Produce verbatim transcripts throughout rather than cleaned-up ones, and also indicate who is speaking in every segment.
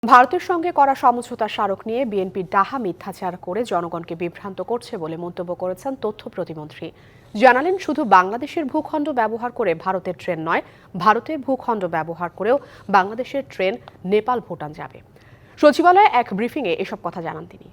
Speaker 1: ভারতের সঙ্গে করা সমঝোতা স্মারক নিয়ে বিএনপি ডাহা মিথ্যাচার করে জনগণকে বিভ্রান্ত করছে বলে মন্তব্য করেছেন তথ্য প্রতিমন্ত্রী। জানালেন, শুধু বাংলাদেশের ভূখণ্ড ব্যবহার করে ভারতের ট্রেন নয়, ভারতের ভূখণ্ড ব্যবহার করেও বাংলাদেশের ট্রেন নেপাল ভুটান যাবে। সচিবালয়ে এক ব্রিফিংয়ে এসব কথা জানান তিনি।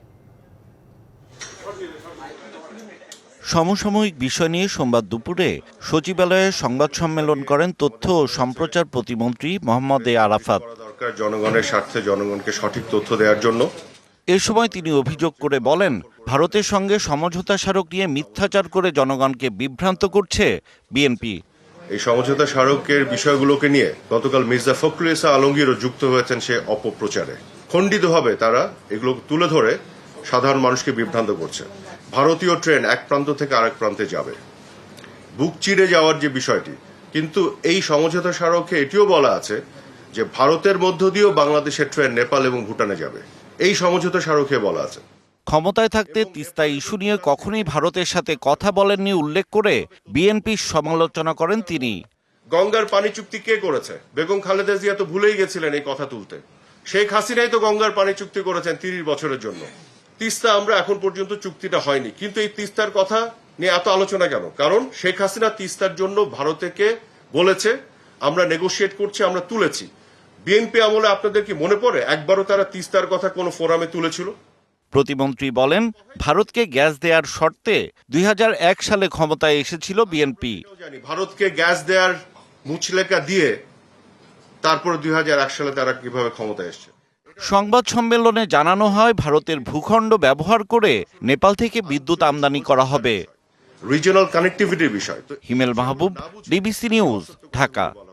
Speaker 2: সমসাময়িক বিষয় নিয়ে সোমবার দুপুরে সচিবালয়ে সংবাদ সম্মেলন করেন তথ্য ও সম্প্রচার প্রতিমন্ত্রী মোহাম্মদ এ আরাফাত।
Speaker 3: জনগণের স্বার্থে জনগণকে সঠিক তথ্য দেওয়ার জন্য
Speaker 2: এ সময় তিনি অভিযোগ করে বলেন, ভারতের সঙ্গে সমঝোতা স্মারক নিয়ে মিথ্যাচার করে জনগণকে বিভ্রান্ত করছে বিএনপি।
Speaker 3: এই সমঝোতা স্মারকের বিষয়গুলোকে নিয়ে গতকাল মির্জা ফখরুল ইসলাম আলমগীরও যুক্ত হয়েছেন সে অপপ্রচারে। খণ্ডিতভাবে তারা এগুলো তুলে ধরে সাধারণ মানুষকে বিভ্রান্ত করছে। ভারতীয় ট্রেন এক প্রান্ত থেকে আরেক প্রান্তে যাবে, বুক চিরে যাওয়ার যে বিষয়টি, কিন্তু এই সমঝোতা স্মারকে এটিও বলা আছে যে ভারতের মধ্য দিয়েও বাংলাদেশের ট্রেন নেপাল এবং ভুটানে যাবে। এই সমঝোতা স্মারকে বলা আছে।
Speaker 2: ক্ষমতায় থাকতে তিস্তা ইস্যু নিয়ে কখনোই ভারতের সাথে কথা বলেননি উল্লেখ করে বিএনপির সমালোচনা করেন তিনি।
Speaker 3: গঙ্গার পানি চুক্তি কে করেছে? বেগম খালেদা জিয়া তো ভুলেই গেছিলেন এই কথা তুলতে। শেখ হাসিনাই তো গঙ্গার পানি চুক্তি করেছেন তিরিশ বছরের জন্য। তিস্তা আমরা এখন পর্যন্ত চুক্তিটা হয়নি, কিন্তু এই তিস্তার কথা নিয়ে এত আলোচনা কেন? কারণ শেখ হাসিনা তিস্তার জন্য ভারতকে বলেছে আমরা নেগোশিয়েট করছি, আমরা তুলেছি। বিএনপি আমলে আপনাদের কি মনে পড়ে একবারও তারা তিস্তার কথা কোনো ফোরামে তুলেছিল?
Speaker 2: প্রতিমন্ত্রী বলেন, ভারতকে গ্যাস দেওয়ার শর্তে দুই হাজার এক সালে ক্ষমতায় এসেছিল বিএনপি।
Speaker 3: ভারতকে গ্যাস দেওয়ার মুচলেকা দিয়ে তারপর দুই হাজার এক সালে তারা কিভাবে ক্ষমতায় এসছে।
Speaker 2: সংবাদ সম্মেলনে জানানো হয়, ভারতের ভূখণ্ড ব্যবহার করে নেপাল থেকে বিদ্যুৎ আমদানি করা হবে।
Speaker 3: রিজিওনাল কানেক্টিভিটির বিষয়।
Speaker 2: Himel Mahbub, DBC news, Dhaka.